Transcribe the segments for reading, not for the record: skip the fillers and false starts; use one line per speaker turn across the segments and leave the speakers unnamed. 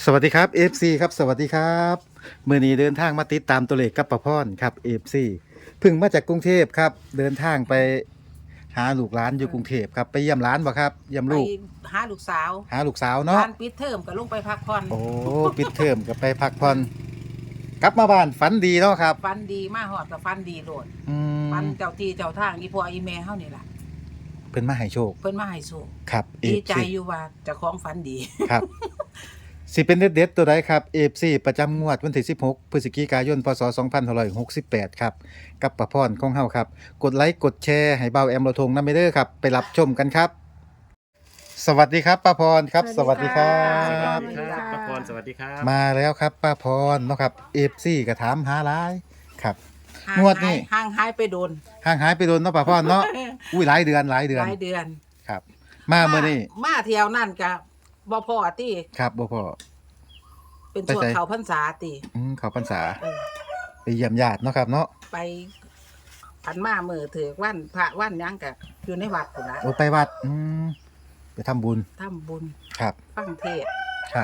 สวัสดีครับ FC ครับสวัสดีครับมื้อนี้เดินทางมาติดตามตัวเลขกับป้าพรครับ FC เพิ่งมาจากกรุงเทพครับเดินทางไปหาลูกหลานอยู่กรุงเทพครับไปเยี่ยมหลานบ่ครับเยี่ยม
ไป
ลูก
หาลูกสาว
หาลูกสาวเนาะ
บ้านปิดเทอมก็ลงไปพักผ่อน
โอ้ปิดเทอมก็ไปพักผ่อนกลับมาบ้านฝันดีเนาะครับ
ฟันดีมาหอดกับฟันดีโลด
อื
ฟัน
ม
เจ้าที่เจ้าทางอีพ่ออีแม่เฮานี่ล่ะ
เพิ่นมาให้โชค
เพิ่นมาให้โชค
ครับ
ดีใจ
FC
อยู่ว่าเจ้าของฟันดี
ครับสิเป็นเด็ดๆตัวใดครับ FC ประจำงวดวันที่16พฤศจิกายนพศ2568ครับกับป้าพรของเฮาครับกดไลค์กดแชร์ให้เบาแอมเราทงนำไปเด้อครับไปรับชมกันครับ สวัสดีครับป้าพรครับสวัสดีครั
สวั
บ
สดีครับป้าพรสวัสดีครับ
มาแล้วครับป้าพรเนาะครับ FC ก็ถามหาหลายครับ
ห่าง
งวดนี้
ห่างหายไปโดน
ห่างหายไปโดนเนาะป้าพรเนาะอุ้ยหลายเดือนหลายเดือน
หลายเดือน
ครับ มาเมื่อนี้
มาเที่ยวนั่นก็บ่พอติ
ครับบ่พอ
เป็นช่วง
ไปไส
เขาพรรษาติ
เขาพรรษา
เออ
ไปเยี่ยมญาติเนาะครับเนาะ
ไปผันมามื้อถือวันพระวันหยังก็อยู่ในวัดพุ่นล่ะ
โอ้ไปวัดไปทำบุญ
ทำบุญ
ครับ
ฟังเทศน์
ครับ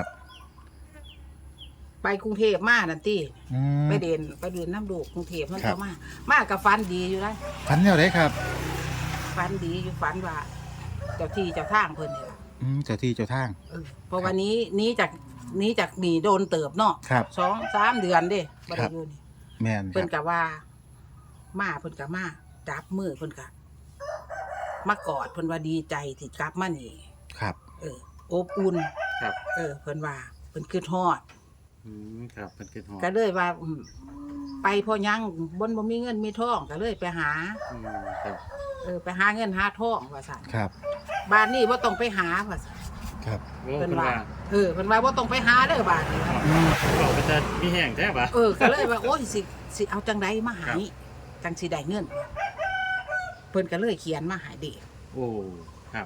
ไปกรุงเทพมานั่นติ
อืม
ไปเดินน้ำดูกกรุงเทพเพิ่น
ครั
ก็
บ
มากับฟันดีอยู่ได้
ฝันแนวไหนครับ
ฟันดีอยู่ฟันว่า เจ้าที่เจ้าทางเพิ่นนี่ล่ะ
เจ้าที่เจ้าทาง
เพราะวันนี้จากหนีโดนเติบเนาะ
ครับ
2-3 เดือนเด้บ่
ครั
ได้
บ
อยู่นี่
แม่นค
เพิ่
รั
น
บ
ก็ว่า มาเพิ่นก็มาจับมือเพิ่นก็มากอดเพิ่นว่าดีใจที่กลับมานี่
ครับ
อบอุ่น
ครับ
เพิ่นว่าเพิ่นคิดฮอด
ครับเป็นขึ้นหอ
ก็เลยว่าไปพอยังบ่มีเงินมีทองก็เลยไปหา
ครับ
ไปหาเงินหาทองว่าซั่น
ครับ
บ้านนี้บ่ต้องไปหาว่าซั่น
ครับ
โอ้
เพิ่น
เป็น
ว่า
ว่า
เพิ่นว่าบ่ต้องไปหาเด้อบ้านนี้
บอกเป็นจะมีแห้งแท้ปะ
ก็เลยว่าโอ้ยสิเอาจังไดมาให้จังสิได้เงินเพิ่นก็เลยเขียนมาให้เด็ก
โอ้ครับ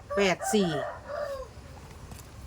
84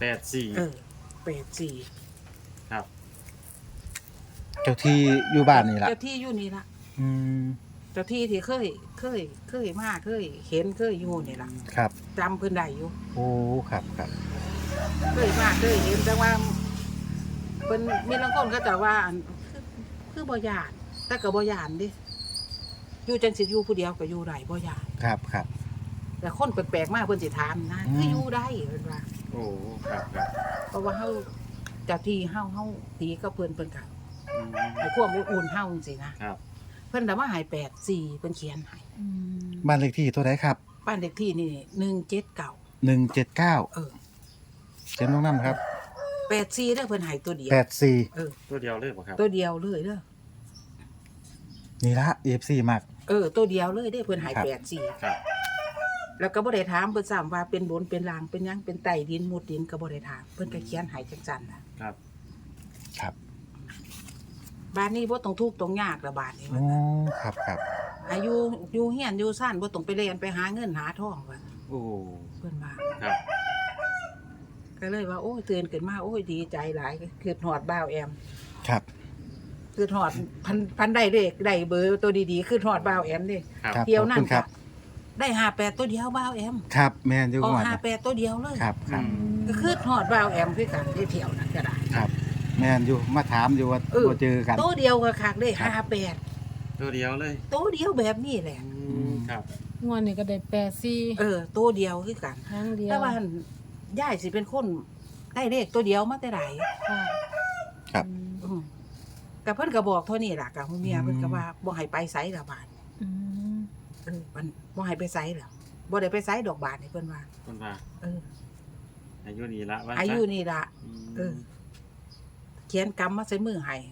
84
ครับ
เจ้าที่อยู่บ้านนี่ล่ะ
เจ้าที่อยู่นี่ล่ะ
อืม
เจ้าที่ที่เคยมาเคยเห็นเคยอยู่นี่ล่ะ
ครับ
จำเพิ่นได้อยู่
โอ้ครับครับ
เคยมาเคยเห็นแต่ว่าเพิ่นมีลางคนเขาจะว่าอันคือบ่ย่านแต่ก็บ่ย่านดิอยู่จังสิอยู่ผู้เดียวก็อยู่ได้บ่ย่าน
ครับครับ
แต่คนแปลกๆมาเพิ่นสิถามนะคืออยู่ได้เพิ่นว่า
โอ้ครับครับ
เพราะว่าเฮาเจ้าที่เฮาตีกับเพิ่นก็
อืม
ให้ความอบอุ่นเฮาจังซี่นะครับ เพิ่นน่ะมาให้84เพิ่นเขียนให้
บ้านเลขที่ตัวไหนครับ
บ้านเลขที่นี่179
179
เออ
เขียนลงน้ำครับ
84เด้อเพิ่นให้ตัวเดียว
84
ตัวเดียวเลยปะครับ
ตัวเดียวเลยเด้อ
นี่ละ FC มัก
ตัวเดียวเลยเด้อเพิ่นให้
ครับ
84
ครับ
แล้วก็บ่ได้ถามเพิ่นซ้ำว่าเป็นบนเป็นล่างเป็นหยังเป็นใต้ดินมุดดินก็บ่ได้ถามเพิ่นก็เขียนให้จังซั่นน่ะ
ครับ
ครับ
บ้านนี้บ่ต้องทุกข์ต้องยากละบาดนี้
โอ้ครับครับ
อายุอยู่เฮียนอยู่ซ่านบ่ต้องไปเรียนไปหาเงินหาทองว่า
โอ้
เพิ่นว่า
ครับ
ก็เลยว่าโอ้ยตื่นขึ้นมาโอ้ยดีใจหลายคือฮอดบ้าวแอม
ครับ
คือฮอดพันได้เลขได้เบอร์ตัวดีๆคือฮอดบ้าวแอมเด้
ครับ
ครับ
เที่ยว
ขอบ
นั่
คุ
น
ณครับ
ได้58ตัวเดียวบ้าวแอม
ครับแม่นอยู่
ออก
ก่อน
58ตัวเดียวเลย
ครับครับ
ก็คือฮอดบ้าวแอมคือกันได้เที่ยวนั่นก็ได้
ครับ แม่นอยู่มาถามอยู่ว่าบ่เจอกัน
ตัวเดียวก็คักได้
ครับ
58
ตัวเดียวเลย
ตัวเดียวแบบนี้แหละ
ครับ
งวดนี้ก็ได้84
ตัวเดียวคือกัน
ครั้งเดียว
แต่ว่าย่ายสิเป็นคนได้เลขตัวเดียวมาแต่ไหน
ค่ะ
ครับ
กับเพิ่นก็บอกเท่านี้ล่ะกับฮูเมียเพิ่นก็ว่าบ่ให้ไปไสละบาด
อืม
มันบ่ให้ไปไสแล้วบ่ได้ไปไสดอกบาดนี่เพิ่นว่า
คนว่า
เออ
อายุนี้ละว่า
อายุนี่ล่ะ เออ
ม
เขียนกำมาใส่มือให้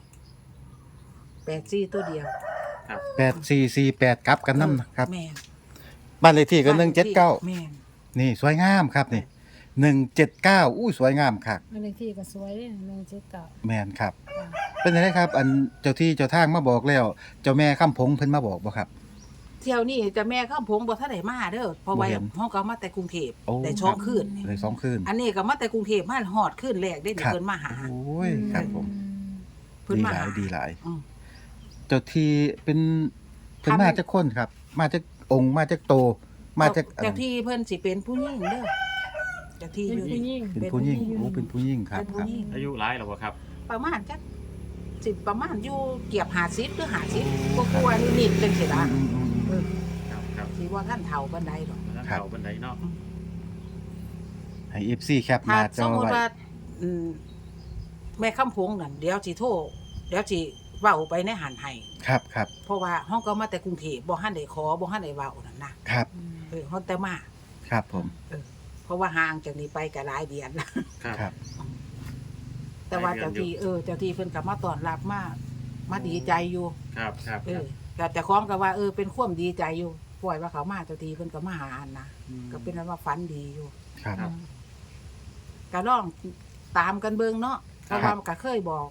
84ตัวเดียว
ครับ
8448กลับกันนำนะครับ
แม่น
บ้านเลขที่ก็
แม่น
179นี่สวยงามครับนี่179อู้สวยงามคัก
อันเลขที่ก็สวยเด้179
แม่นครับ
ค่ะ
เป็นจังไดครับ อันเจ้าที่เจ้าทางมาบอกแล้ว เจ้าแม่คำพงเพิ่นมาบอกบ่ครับ
เที่ยวนี้จะแม่ข้ามผมบ่ทันได้มาเด้อเพราะว่า
บ่เห็น
เฮาก็มาแต่กรุงเทพ
โอ้
ได้ช่องคืนนี่
เลย2คืน
อันนี้ก็มาแต่กรุงเทพมาฮอดคืนแรกได้นี่
ครับ
เพิ่นมาหา
โอ้ยครับผม
เพิ่น
ดี
มา
หลา
หาย
ดีหลาย
อืม
เจ้าที่เป็นเพิ่น
ทำ
มาจากคนครับ มาจากองค์มาจากโต มาจาก
เจ้าที่เพิ่นสิเป็นผู้หญิงเด้อเจ้าที่
เป็น
อยู่
ผู้ห
นี่
ญิง
เป็นผู้หญิงโอ้เป็นผู้หญิงครับ
เป็น
ค
ผู้
รับ
หญิง
อายุหลายแล้วบ่ครับ
ประมาณจักประมาณอยู่เกียบ50หรือ50ก็กลัวๆนิดๆจังซี่ล่ะ
อืมอืมอืม
ครับครับ
สิว่าท่านเฒ่าปานใดดอก
แล้ว
ครับ
เขาบันไดเนาะ
ให้ FC แคปห
ถ้า
น้าจ
ส
อ
มมุติ
ไว้
ว่าอืมแม่คำพงนั่นเดี๋ยวสิโทรเดี๋ยวสิเว้าไปในหันให้
ครับครับ
เพราะว่าห้องก็มาแต่กรุงเทพบ่ทันได้ขอบ่ทันได้เว้านั่นนะครับ ฮ้องแต่มา
ครับผม
เพราะว่าห่างจากนี้ไปก็หลายเดือน
ครับ
ครับ
แต่ว่าเจ้าที่เจ้าที่เพิ่นก็มาต้อนรับมาดีใจอยู่
ครับครับ
ก็แต่ของก็ว่าเป็นความดีใจอยู่ปล่อยว่าเขามาเจ้าที่เพิ่นก็มาหาอันนะ
อืม
ก็เป็นอันว่าฝันดีอยู่
ครับ
ครับ
ก็ลองตามกันเบิ่งเนาะเพราะว่ามันก็เคยบอก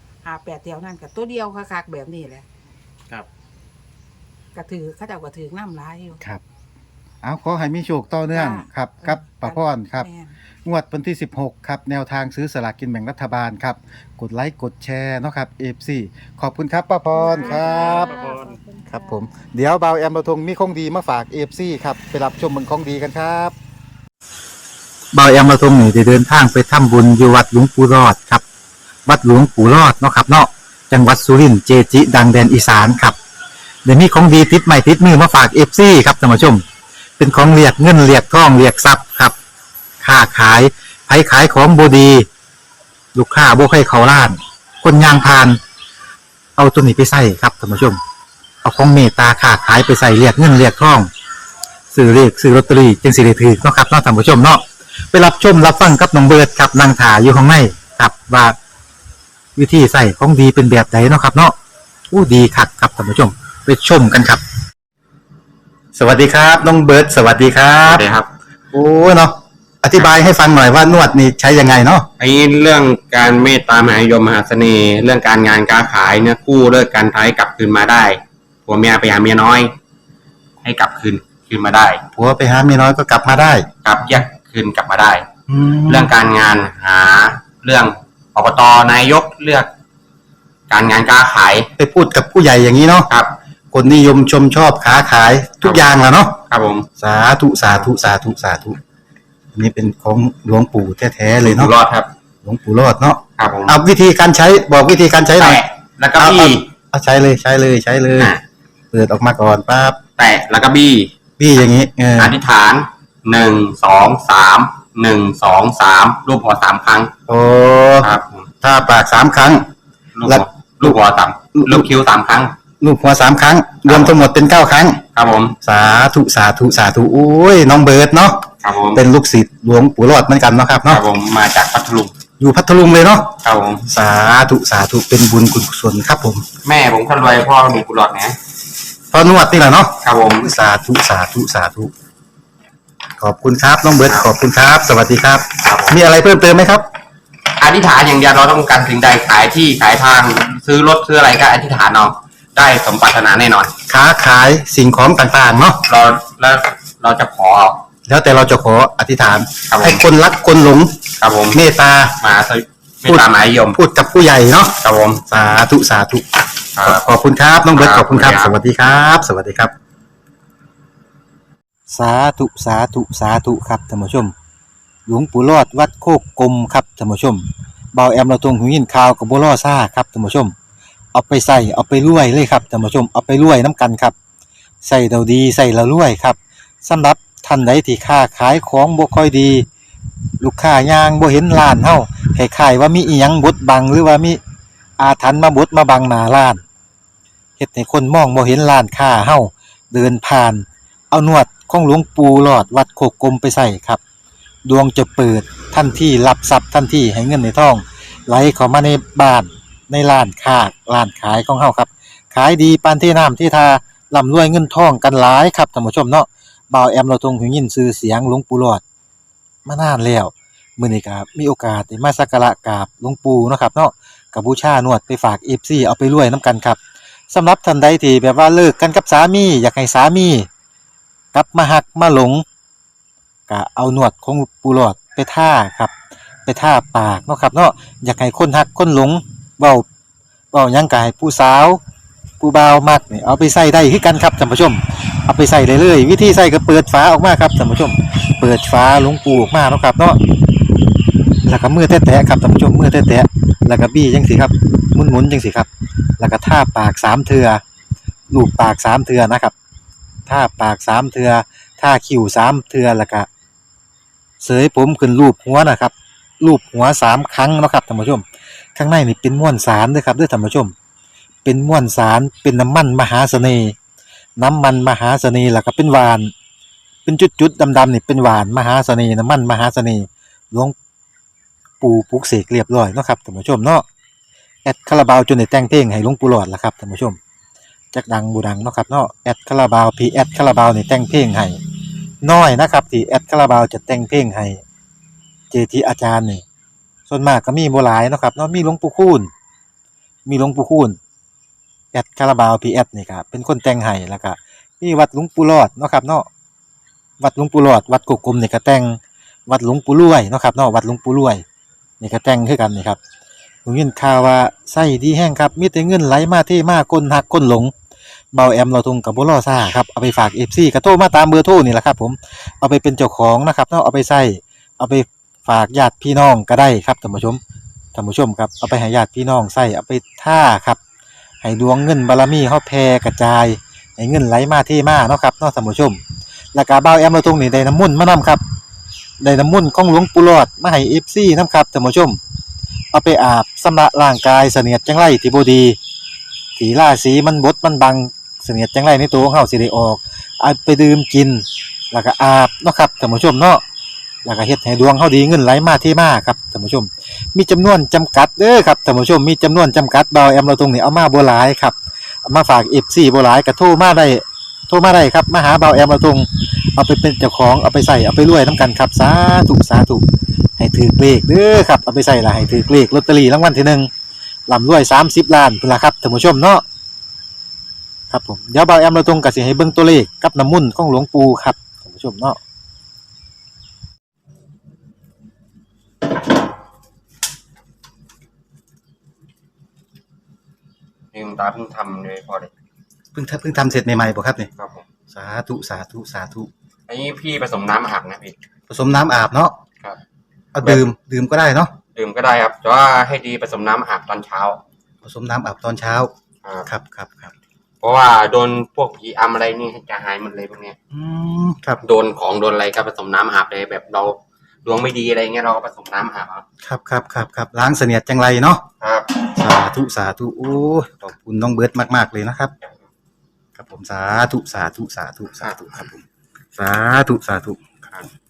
58แถวนั้นก็ตัวเดียวคักๆแบบนี้แหละ
ครับ
ก็ถือเขาเจ้าก็ถือน้ำลายอยู่
ครับเอาขอให้มีโชคต่อเนื่อง
จ้า
ครับกับป้าพรครับ
แม่น
งวดวันที่ 16 ครับ แนวทางซื้อสลากกินแบ่งรัฐบาลครับ กดไลค์กดแชร์เนาะครับ FC ขอบคุณครับป้าพรครับ
ป้าพร
ครับผมเดี๋ยวเบาแอมเราทงมีของดีมาฝาก FC ครับไปรับชมเมืองของดีกันครับเบาแอมเราทงนี่ได้เดินทางไปทำบุญอยู่วัดหลวงปู่รอดครับ วัดหลวงปู่รอดเนาะครับเนาะจังหวัดสุรินทร์เจจิ ดังแดนอีสานครับเดี๋ยวมีของดีติดใหม่ติดมือมาฝาก FC ครับท่านผู้ชม เป็นของเรียกเงินเรียกทองเรียกทรัพย์ครับค้าขายไผขายของบดี ลูกค้าบ่ใครเขาล้าน คนยางพาน เอาตัวนี้ไปใส่ครับท่านผู้ชม เอาของเมตตาค้าขายไปใส่เรียกเงินเรียกทองซื้อเรียกซื้อลอตเตอรี่จึงสิได้ถือเนาะครับเนาะท่านผู้ชมเนาะไปรับชมรับฟังกับน้องเบิร์ดครับนางถาอยู่ข้างในครับว่าวิธีใส่ของดีเป็นแบบไหนเนาะครับ เนาะอู้ดีคักครับท่านผู้ชม ไปชมกันครับ สวัสดีครับน้องเบิร์ดสวัสดีครั
ครับ บครับ
โอ้เนาะอธิบายให้ฟังหน่อยว่านวดนี่ใช้ยังไงเนาะ
ไอ้เรื่องการเมตตามหานิยมมหาเสน่ห์ เรื่องการงานการขายเนี่ยกู้เลิกการท้ายกลับคืนมาได้ผัวเมียไปหาเมียน้อย ให้กลับคืนมาได้
ผัวไปหาเมียน้อยก็กลับมาได้
กลับแยกคืนกลับมาได้
แล้
เรื่
ว
องการงานหาเรื่องอบตนายกเลือก การงานการขาย
ไปพูดกับผู้ใหญ่อย่างนี้เนาะ
ครับ
คนนิยมชมชอบค้าขายทุกอย่างแหละเนาะ
ครับผม
สาธุสาธุสาธุสาธุอันนี้เป็นของหลวงปู่แท้ๆเลย
อยู่
เนาะ
รอดครับ
หลวงปู่รอดเนาะ
ครับผม
เอาวิธีการใช้บอกวิธีการใช้หน่อย
แตะแล้วก็บี้
เอาใช้เลยใช้เลยใช้เลย
อ่ะ
เปิดออกมาก่อนปั๊บ
แตะแล้วก็บี้
พี่อย่างนี้เออ
อธิษฐาน1 2 3 1 2 3รูปหัวสามครั้ง
โอ้
ครับผม
ถ้าปาก3 ครั้ง
ลูก
แล้
หั
ว
วลูกหัวสามลูกคิ้ว3 ครั้ง
ลูกหัว3 ครั้ง รวมทั้งหมดเป็น9 ครั้ง
ครับผม
สาธุสาธุสาธุโอ้ยน้องเบิร์ดเนาะ
ครับผม
เป็นลูกศิษย์หลวงปู่รอดเหมือนกันเนาะครับ
ครั
เนาะ
บผมมาจากพัทลุง
อยู่พัทลุงเลยเนาะ
ครับผม
สาธุสาธุเป็นบุญกุศลครับผม
แม่ผมคนรวยพ่อมีกุหลาบนะ
พอนวดนี่แหละเนาะ
ครับผม
สาธุสาธุสาธุขอบคุณครับน้องเบิร์ดขอบคุณครับ สวัสดีครับ
ครับผม
มีอะไรเพิ่มเติมไหมครับ
อธิษฐานอย่างเดียวเราต้องการสิ่งใดขายที่ขายทางซื้อรถซื้ออะไรก็อธิษฐานเอาได้สมปรารถนาแน่นอน
ค้าขายสิ่งของต่างๆเนาะ
เราจะขอ
แล้วแต่เราจะขออธิษฐาน
ครับผม
ให้คนรักคนหลง
ครับผม
เมตตา
มาไม่ตามหมายยม
พูดกับผู้ใหญ่เนาะ
ครับผม
สาธุสาธุ
ครับ
ขอบคุณครับน้องเบิร์ต
ค
ข
รับ
อบคุณครับ
ขอบ
ส
คุณครับ
วัสดีครับ สวัสดีครับ สาธุสาธุสาธุครับท่านผู้ชม หลวงปู่รอดวัดโคกกลมครับท่านผู้ชมเบาแอมเราตรงหูยินข่าวกับบัวล่อซ่าครับท่านผู้ชม เอาไปใส่เอาไปรวยเลยครับท่านผู้ชมเอาไปรวยน้ำกันครับใส่เราดีใส่เรารวยครับสำหรับท่านใดที่ค้าขายของบ่ค่อยดี ลูกค้ายางบ่เห็นร้านเฮาคล้ายๆว่ามีอีหยังบดบังหรือว่ามีอาถรรพ์มาบดมาบังหน้าร้านเฮ็ดให้คนมองบ่เห็นร้านค้าเฮาเดินผ่าน เอานวดของหลวงปู่หลอดวัดโคกกลมไปใส่ครับดวงจะเปิดทันทีรับทรัพย์ทันทีให้เงินในท้องไหลเข้ามาในบ้านในร้านค้าร้านขายของเฮาครับขายดีปานที่น้ำที่ทาร่ำรวยเงินทองกันหลายครับท่านผู้ชมเนาะบ่าวแอมเราทรงหูยินชื่อเสียงหลวงปู่หลอดมานานแล้วมื้อนี้ก็มีโอกาสได้มาสักการะกราบหลวงปู่เนาะครับเนาะก็บูชานวดไปฝาก FC เอาไปรวยนํกันครับสำหรับท่านใดที่แบบว่าเลิกกันกับสามีอยากให้สามีกลับมาหักมาหลงก็เอานวดของปู่หลอดไปท่าครับไปท่าปากเนาะครับเนาะอยากให้คนหักคนหลงเว้าหยังก็ให้ผู้สาวผู้ผู้บ่าวมักนี่เอาไปใส่ได้คือกันครับท่านผู้ชมเอาไปใส่เลยเลยวิธีใส่ก็เปิดฝาออกมาครับท่านผู้ชมเปิดฝาหลวงปูออกมาเนาะครับเนาะแล้วก็มือแตะๆครับท่านผู้ชมมือแตะๆแล้วก็บี้จังสิครับหมุนๆจังสิครับแล้วก็ทาปาก3เทื่อลูบปาก3เทื่อนะครับทาปาก3เทื่อทาคิ้ว3เทื่อแล้วก็เสยผมขึ้นรูปหัวนะครับรูปหัว3ครั้งเนาะครับท่านผู้ชมข้างในนี่เป็นม้วนสารเด้อครับเด้อท่านผู้ชมเป็นม้วนสารเป็นน้ำมันมหาเสน่ห์น้ำมันมหาเสน่ห์แล้วก็เป็นหวานเป็นจุดๆดำๆนี่เป็นหวานมหาเสน่ห์น้ำมันมหาเสน่ห์หลวงปู่ปลุกเสกเรียบร้อยเนาะครับท่านผู้ชมเนาะแอดคาราบาวจนได้แต่งเพลงให้หลวงปู่หลอดล่ะครับท่านผู้ชมจักดังบ่ดังเนาะครับเนาะแอดคาราบาวพีแอดคาราบาวนี่แต่งเพลงให้น้อยนะครับที่แอดคาราบาวจะแต่งเพลงให้เจทีอาจารย์นี่ส่วนมากก็มีบ่หลายเนาะครับเนาะมีหลวงปู่คูณแอดคาราบาวพีแอดนี่ครับเป็นคนแต่งให้แล้วก็มีวัดหลวงปู่หลอดเนาะครับเนาะวัดหลวงปู่หลอดวัดกกกลมนี่ก็แต่งวัดหลวงปู่รวยเนาะครับเนาะวัดหลวงปู่รวยนี่ก็แต่งคือกันนี่ครับผมยินข่าวว่าไส้ดีแห้งครับมีแต่เงินไหลมาเทมาคนหักคนหลงเบาแอมเราทุงกับบ่รอซ่าครับเอาไปฝาก FC ก็โทรมาตามเบอร์โทรนี่แหละครับผมเอาไปเป็นเจ้าของนะครับเนาะเอาไปใส่เอาไปฝากญาติพี่น้องก็ได้ครับท่านผู้ชมครับเอาไปให้ญาติพี่น้องใส่เอาไปท่าครับให้ดวงเงินบารมีเฮาแผ่กระจายให้เงินไหลมาเทมาเนาะครับเนาะท่านผู้ชมแล้วก็เบาแอมเราทุงนี่ได้น้ำมนต์มานํครับได้น้ำมนต์ของหลวงปู่หลอดมาให้ FC นํครับท่านผู้ชมเอาไปอาบชำระร่างกายเสนียดจังไรที่บ่ดีที่ราศีมันบดมันบังเสนียดจังไรในตัวของเฮาสิได้ออกเอาไปดื่มกินแล้วก็อาบเนาะครับท่านผู้ชมเนาะแล้วก็เฮ็ดให้ดวงเฮาดีเงินไหลมาเทมาครับท่านผู้ชมมีจำนวนจำกัดเด้อครับท่านผู้ชมมีจำนวนจำกัดเบาแอมเราตรงนี้เอามาบ่หลายครับเอามาฝาก FC บ่หลายก็โทรมาได้ครับมาหาเบาแอมเราตรงเอาไปเป็นเจ้าของเอาไปใส่เอาไปรวยนํกันครับสาธุให้ถือเลขเด้อครับเอาไปใส่ละให้ถือเลขลอตเตอรี่รางวัลที่1ร่ำรวย30ล้านพุ่นล่ะครับท่านผู้ชมเนาะครับผมเดี๋ยวเบาแอมเราตรงก็สิให้เบิ่งตัวเลขกับน้ำมนต์ของหลวงปู่ครับท่านผู้ชมเนาะ
นี่คุณตาเพิ่งทำเลยพอเลย
เพิ่งทำเสร็จใหม่ๆบ่ครับนี่
ครับผม
สาธุ
อันนี้พี่ผสมน้ำอาบนะพี่
ผสมน้ำอาบเนาะ
ครับ
เอาดื่มก็ได้เนาะ
ดื่มก็ได้ครับแต่ว่าให้ดีผสมน้ำอาบตอนเช้า
ผสมน้ำอาบตอนเช้า
ครับ
ครับ
เพราะว่าโดนพวกผีอำอะไรนี่จะหายหมดเลยพวกเนี้ย
ครับ
โดนของโดนอะไรก็ผสมน้ำอาบเลยแบบเราดวงไม่ดีอะไรเงี้ยเราก็ผสมน้ำอาบ
ครับล้างเสนียดจังไรเนาะ
ครับ
สาธุโอ้ยขอบคุณน้องเบิร์ดมากๆเลยนะครับครับผมสาธุครับผมสาธุครับ